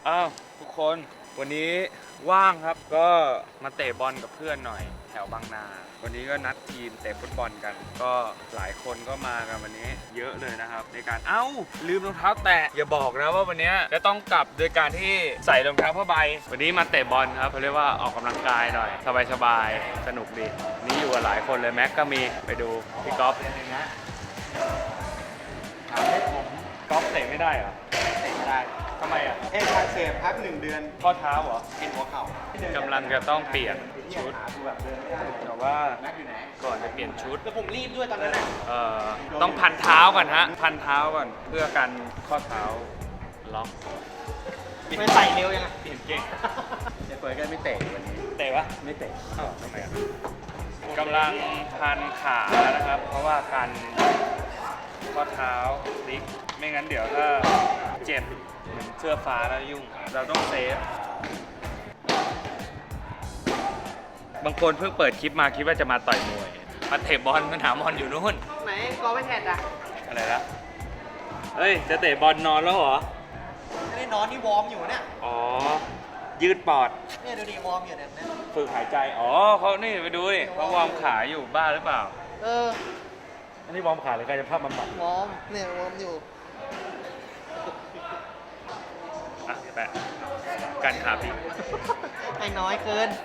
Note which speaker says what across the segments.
Speaker 1: อ้าวทุกคนวันนี้ว่างครับก็มาเตะบอลกับเพื่อนหน่อยแถวบางนาวันนี้ก็นัดทีมเตะฟุตบอลกันก็หลายคนก็มากันวันนี้เยอะเลยนะครับในการลืมรองเท้าแตะอย่าบอกนะว่าวันนี้จะต้องกลับโดยการที่ใส่รองเท้าผ้าใบวันนี้มาเตะบอลครับเขาเรียกว่าออกกำลังกายหน่อยสบายๆสนุกดีนี่อยู่กับหลายคนเลยแม็กก็มีไปดูพี่ก๊อฟนะถามให้ผมก๊อฟเตะไม่ได้เหรอ
Speaker 2: เตะไม่ได้
Speaker 1: ทำไมอ่ะ
Speaker 2: อักเสบพัก1 เดือน
Speaker 1: ข้อเท้าเหรอ
Speaker 2: เป็นหัวเข่าก
Speaker 1: ำลังจะต้องเปลี่ยนชุดแต่ว่าก่อนจะเปลี่ยนชุด
Speaker 2: แล้วผมรีบด้วยตอนนั้นน่ะ
Speaker 1: ต้องพันเท้าก่อนฮะพันเท้าก่อนเพื่อกันข้อเท้าล็อก
Speaker 2: ไม่ใส่เร็วยังไง
Speaker 1: เปลี่ยนเก่ง
Speaker 2: เดี๋ยวเปิดก็ไม่เตะวันนี้
Speaker 1: เตะปะ
Speaker 2: ไม่เตะ
Speaker 1: ทำไมอ่ะกำลังพันขานะครับเพราะว่ากันข้อเท้าพลิกไม่งั้นเดี๋ยวถ้าเจ็บเหมือนเสื้อฟ้าแล้วยุ่งเราต้องเซฟบางคนเพิ่งเปิดคลิปมาคิดว่าจะมาต่อยมวยมาเตะบอลมาหาบอลอยู่นู่น
Speaker 2: ไหนกอไม่แทนอ่ะ
Speaker 1: อะไรละเฮ้ยจะเตะบอลนอนแล้วเหรอ
Speaker 2: ไม่ได้นอนนี่วอร์มอยู่เนี่ย
Speaker 1: อ๋อยืดปอด
Speaker 2: เนี่ยดูดิวอร์มอยู่เนี่ย
Speaker 1: ฝึกหายใจอ๋อเขานี่ไปดูดิเขาวอร์มขาอยู่บ้าหรือเปล่า
Speaker 2: อั
Speaker 1: นนี้วอร์มขาหรือกายภาพบำบัด
Speaker 2: วอร์มเนี่ยวอร์มอยู่
Speaker 1: แปะกันขาพี่
Speaker 2: ไอ้น้อยเกิน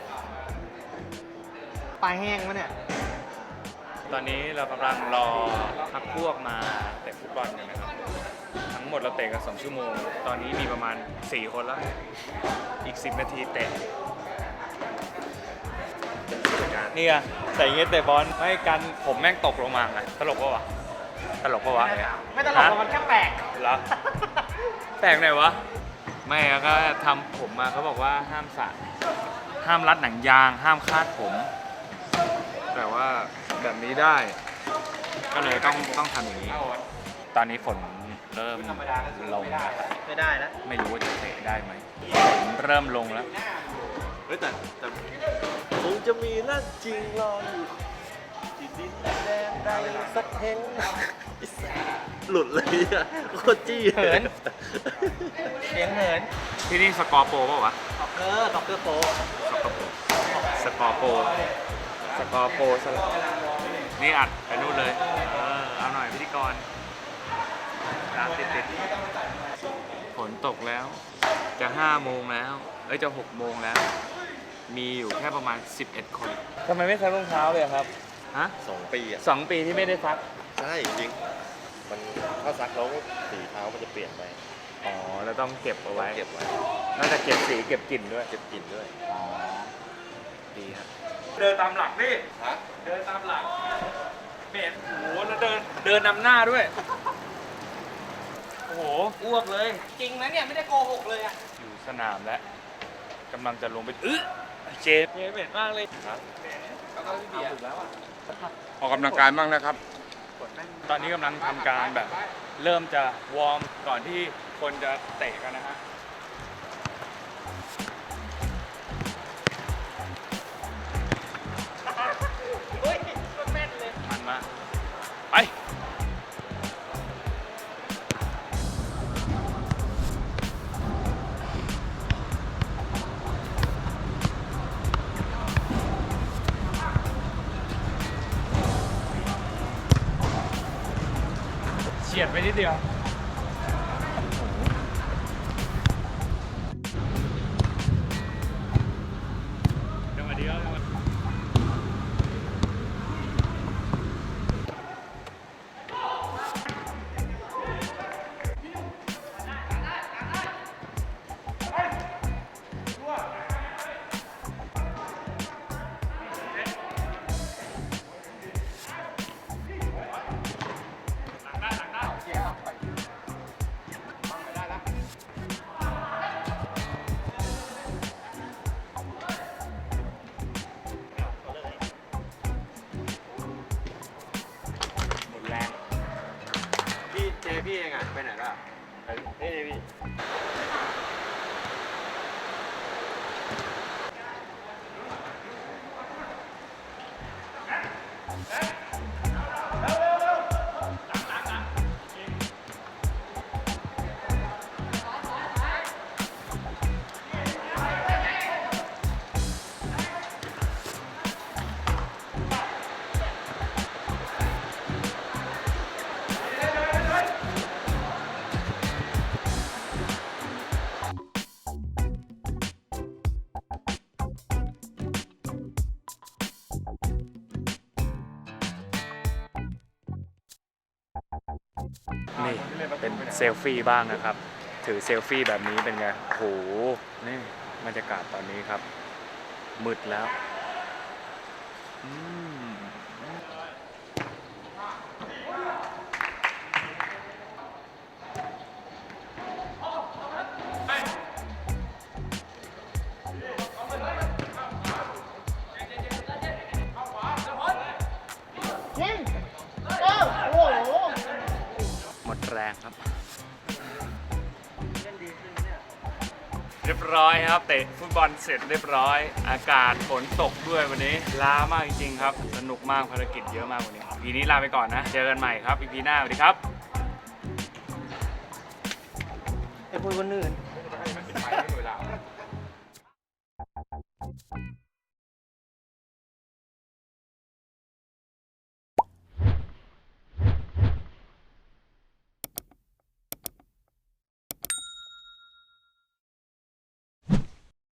Speaker 2: ปลายแห้งวะเนี่ย
Speaker 1: ตอนนี้เรากำลังรอพักพวกมาเตะฟุตบอลกันนะครับทั้งหมดเราเตะกัน2 ชั่วโมงตอนนี้มีประมาณ4 คนแล้วอีก10 นาทีเตะนี่อะใส่เงี้ยเตะบอลไม่กันผมแม่งตกลงมาไงตลกปะวะตลกปะวะ
Speaker 2: ไม่ตลกมันแค่แปลก
Speaker 1: เหรอแปลกไหนวะไม่ก็ทำผมมาเขาบอกว่าห้ามสระห้ามรัดหนังยางห้ามคาดผมแต่ว่าแบบนี้ได้ก็เลยต้องทำอย่างนี้ตอนนี้ฝนเริ่มลง
Speaker 2: ไม่ได้นะ
Speaker 1: ไม่รู้ว่าจะเตะได้ไหมฝนเริ่มลงแล้ว
Speaker 2: แต่คงจะมีนั่นจริงรออยู่ที่ดินแดนใดสักแห่งหลุดเลยอะโคตรจี้
Speaker 1: เหิน
Speaker 2: เสียงเหิน
Speaker 1: ที่นี่สกอร์โปรป่ะวะ
Speaker 2: สกอร์โปร
Speaker 1: สกอร์โปรสลับนี่อัดไปนู่นเลยเอาหน่อยพิธีกรตามติดฝนตกแล้วจะ5 โมงแล้วจะ6 โมงแล้วมีอยู่แค่ประมาณ11 คนทำไมไม่ซักรองเท้าเลยครับฮะ
Speaker 3: 2 ปีอ่ะ
Speaker 1: 2 ปีที่ไม่ได้ซัก
Speaker 3: ใช่จริงมันถ้าซักแล้วสีเท้ามันจะเปลี่ยนไป
Speaker 1: อ๋อแล้วต้องเก็บเอาไว้
Speaker 3: เก็บไว้
Speaker 1: น่าจะเก็บสีเก็บกลิ่นด้วย
Speaker 3: เก็บกลิ่นด้วย
Speaker 1: อ๋อดีครับเดินตามหลังนี่เดินตามหลังเม็ดโอ้โหแล้วเดินนำหน้าด้วยโอ้โหอ้วกเลย
Speaker 2: จริงนะเนี่ยไม่ได้โกหกเลยอะ
Speaker 1: อยู่สนามแล้วกำลังจะลงไปเจเม็ดมากเลย
Speaker 2: แล้วก็พี่เบียร์แล้ว
Speaker 3: ออกกำลังกายบ้างนะครับ
Speaker 1: ตอนนี้กำลังทำการแบบเริ่มจะวอร์มก่อนที่คนจะเตะกันนะฮะมันมาไปเฉียดไปนิดเดียว
Speaker 3: พี่เองอ่ะไปไหนล่ะ
Speaker 1: นี่พี่นี่เป็นเซลฟี่บ้างนะครับ ถือเซลฟี่แบบนี้เป็นไงโหนี่บรรยากาศตอนนี้ครับมืดแล้วอืมหมดแรงครับ เรียบร้อยครับเตะฟุตบอลเสร็จเรียบร้อย อากาศฝนตกด้วยวันนี้ล้ามากจริงๆครับสนุกมากภารกิจเยอะมากวันนี้EPนี้ลาไปก่อนนะเจอกันใหม่ครับEPหน้าสวัสดีครับ
Speaker 4: ไอ้พวกคนอื่น